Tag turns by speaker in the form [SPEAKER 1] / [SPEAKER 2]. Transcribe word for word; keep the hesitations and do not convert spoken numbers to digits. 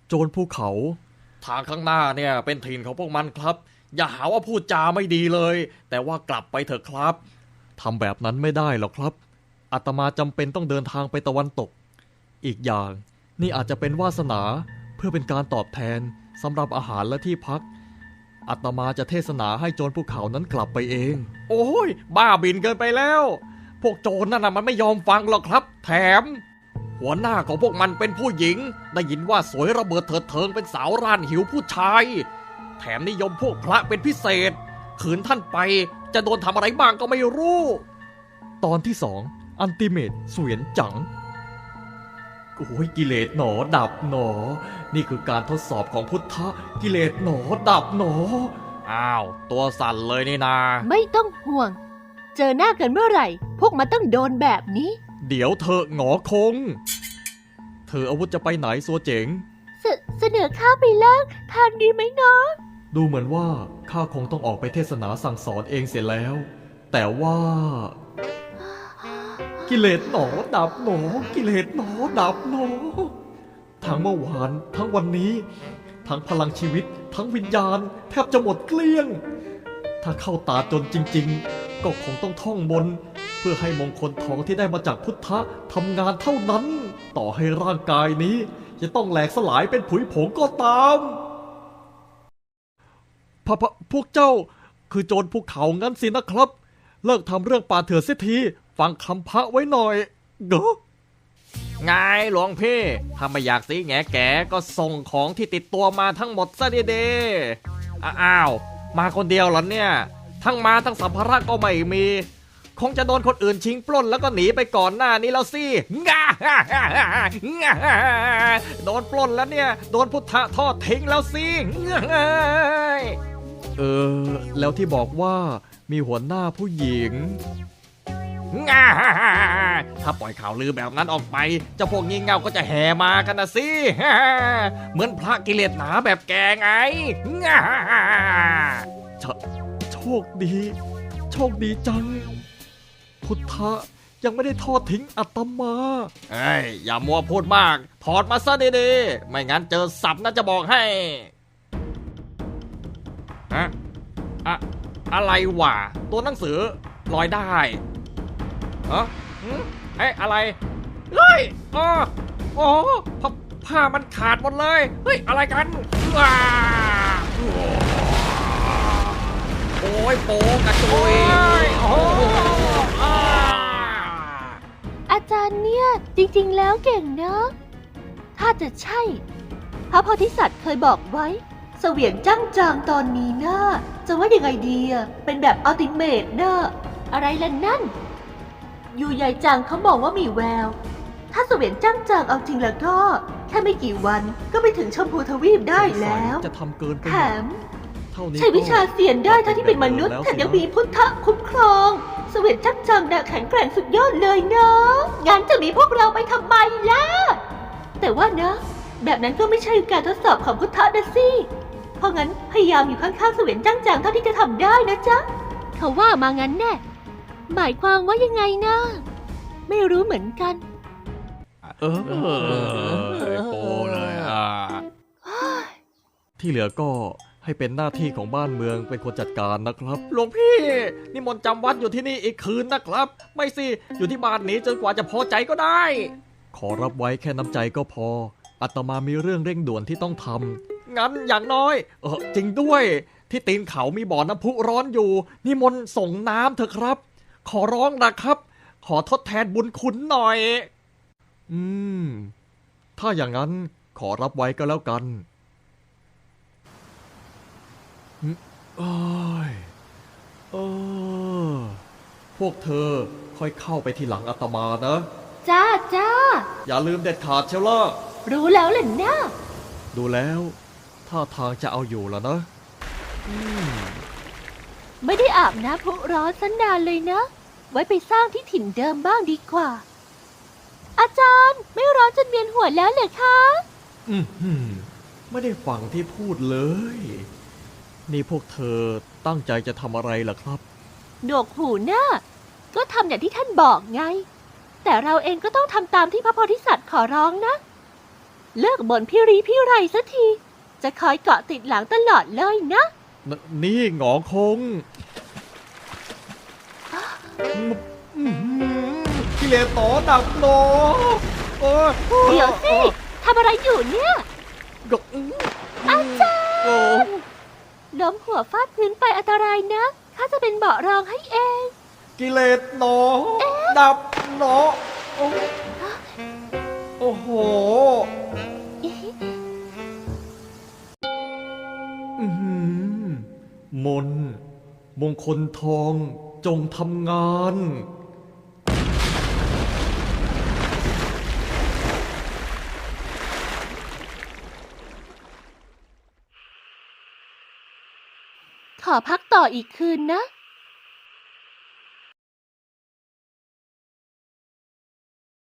[SPEAKER 1] โจรภูเขาทางข้างหน้าเนี่ยเป็นถิ่นของพวกมันครับอย่าหาว่าพูดจาไม่ดีเลยแต่ว่ากลับไปเถอะครับทำแบบนั้นไม่ได้หรอกครับอาตมาจำเป็นต้องเดินทางไปตะวันตกอีกอย่างนี่อาจจะเป็นวาสนาเพื่อเป็นการตอบแทนสำหรับอาหารและที่พักอาตมาจะเทศนาให้โจรภูเขานั้นกลับไปเองโอ้ยบ้าบินเกินไปแล้วพวกโจรนั่นน่ะมันไม่ยอมฟังหรอกครับแถมหัวหน้าของพวกมันเป็นผู้หญิงได้ยินว่าสวยระเบิดเถิดเทิงเป็นสาวร่านหิวผู้ชายแถมนิยมพวกพระเป็นพิเศษขืนท่านไปจะโดนทำอะไรบ้างก็ไม่รู้ตอนที่สองอันติเมตเสวียนจังโอ้ยกิเลสหนอดับหนอนี่คือการทดสอบของพุทธะกิเลสหนอดับหนออ้าวตัวสั่นเลยนี่นา
[SPEAKER 2] ไม่ต้องห่วงเจอหน้ากันเมื่อไหร่พวกมันต้องโดนแบบนี้
[SPEAKER 1] เดี๋ยวเธอหงอคงเธออาวุธจะไปไหนซัวเจ๋ง
[SPEAKER 2] เสเสนอข้าไปเลิกทานดีไหมเนาะ
[SPEAKER 1] ดูเหมือนว่าข้าคงต้องออกไปเทศนาสั่งสอนเองเสียแล้วแต่ว่ากิเลสหนอดับหนอกิเลสหนอดับหนอทั้งเมื่อวานทั้งวันนี้ทั้งพลังชีวิตทั้งวิญญาณแทบจะหมดเกลี้ยงถ้าเข้าตาจนจริงๆก็คงต้องท่องมนต์เพื่อให้มงคลทองที่ได้มาจากพุทธะทำงานเท่านั้นต่อให้ร่างกายนี้จะต้องแหลกสลายเป็นผุยผงก็ตามพะพะพวกเจ้าคือโจรภูเขางั้นสินะครับเลิกทำเรื่องป่าเถื่อนเสียทีฟังคำพระไว้หน่อยเด้อไงหลวงพี่ถ้าไม่อยากสีแงแกก็ส่งของที่ติดตัวมาทั้งหมดซะเด้ๆอ้าวมาคนเดียวเหรอเนี่ยทั้งมาทั้งสัมภาระก็ไม่มีคงจะโดนคนอื่นชิงปล้นแล้วก็หนีไปก่อนหน้านี้แล้วสิง่าโดนปล้นแล้วเนี่ยโดนพุทธะทอดทิ้งแล้วสิเออแล้วที่บอกว่ามีหัวหน้าผู้หญิงถ้าปล่อยข่าวลือแบบนั้นออกไปเจ้าพวกงี่เง่าก็จะแห่มากันนะสิเหมือนพระกิเลสหนาแบบแกไงโชคดีโชคดีจังพุทธะยังไม่ได้ทอดทิ้งอาตมาเอ้ยอย่ามัวพูดมากถอดมาซะดีๆไม่งั้นเจอสับน่าจะบอกให้อะอะอะไรวะตัวหนังสือลอยได้เออเอ้ยอะไรเฮ้ยอ๋อโอ้ผ้าผ้ามันขาดหมดเลยเฮ้ยอะไรกันว้าโอ้ยโป๊กระจุยโอ้
[SPEAKER 2] อาจารย์เนี่ยจริงๆแล้วเก่งนะถ้าจะใช่พระโพธิสัตว์เคยบอกไว้เสวียนจ้างจางตอนนี้นะจะว่ายังไงดีอะเป็นแบบอัลติเมทนะอะไรล่ะนั่นอยู่ใหญ่จางเขาบอกว่ามีแววถ้าเสวียนจ้างจางเอาจริงแล้วก็แค่ไม่กี่วันก็ไปถึงชมพูทวีปได้แล้ว
[SPEAKER 1] จะทำเกินไป
[SPEAKER 2] แถมใช้วิชาเสียนได้ทั้งที่เป็นมนุษย์แถมยังมีพุทธะคุ้มครองเสวียนจ้างจางน่ะแข็งแกร่งสุดยอดเลยนะงั้นจะมีพวกเราไปทำไมล่ะแต่ว่านะแบบนั้นก็ไม่ใช่การทดสอบของพุทธะนะสิเพราะงั้นพยายามอยู่ข้างๆเสวียนจ้างจางเท่าที่จะทำได้นะจ๊ะเขาว่ามางั้นแน่หมายความว่ายังไงนะไม่รู้เหมือนกัน
[SPEAKER 1] เออโปเลยอ่ะที่เหลือก็ให้เป็นหน้าที่ของบ้านเมืองเป็นคนจัดการนะครับหลวงพี่นิมนต์จำวัดอยู่ที่นี่อีกคืนนะครับไม่สิอยู่ที่บ้านนี้จนกว่าจะพอใจก็ได้ขอรับไว้แค่น้ำใจก็พออาตมามีเรื่องเร่งด่วนที่ต้องทำงั้นอย่างน้อยเออจริงด้วยที่ตีนเขามีบ่อน้ำพุร้อนอยู่นิมนต์ส่งน้ำเถอะครับขอร้องนะครับขอทดแทนบุญคุณหน่อยอืมถ้าอย่างนั้นขอรับไว้ก็แล้วกันเอ้ยเออพวกเธอค่อยเข้าไปทีหลังอาตมานะ
[SPEAKER 2] จ้าจ้า
[SPEAKER 1] อย่าลืมเด็ดขาดเชียวล่ะ
[SPEAKER 2] รู้แล้วแหละนะ
[SPEAKER 1] ดูแล้วท่าทางจะเอาอยู่แล้วนะอืม
[SPEAKER 2] ไม่ได้อาบน้ำพุร้อนสันนานเลยนะไว้ไปสร้างที่ถิ่นเดิมบ้างดีกว่าอาจารย์ไม่ร้อนจนเวียนหัวแล้วเหรอคะ
[SPEAKER 1] อืมไม่ได้ฟังที่พูดเลยนี่พวกเธอตั้งใจจะทำอะไรล่ะครับ
[SPEAKER 2] หนวกหูน่ะก็ทำอย่างที่ท่านบอกไงแต่เราเองก็ต้องทำตามที่พระโพธิสัตว์ขอร้องนะเลิกบ่นพี่รีพี่ไรสักที จะคอยเกาะติดหลังตลอดเลยนะ
[SPEAKER 1] นนี่หงอคงอื้อหือกิเลสต่อดับหนอโอ้ย
[SPEAKER 2] เดี๋ยวสิทำอะไรอยู่เนี่ย
[SPEAKER 1] ก็อาจารย์
[SPEAKER 2] ล้มหัวฟาดพื้นไปอันตรายนะข้าจะเป็นเบาะรองให้เอง
[SPEAKER 1] กิเลสหนอดับหนอโอ้โอ้โหอื้อหือมนต์มงคลทองจงทำงาน
[SPEAKER 2] ขอพักต่ออีกคืนนะ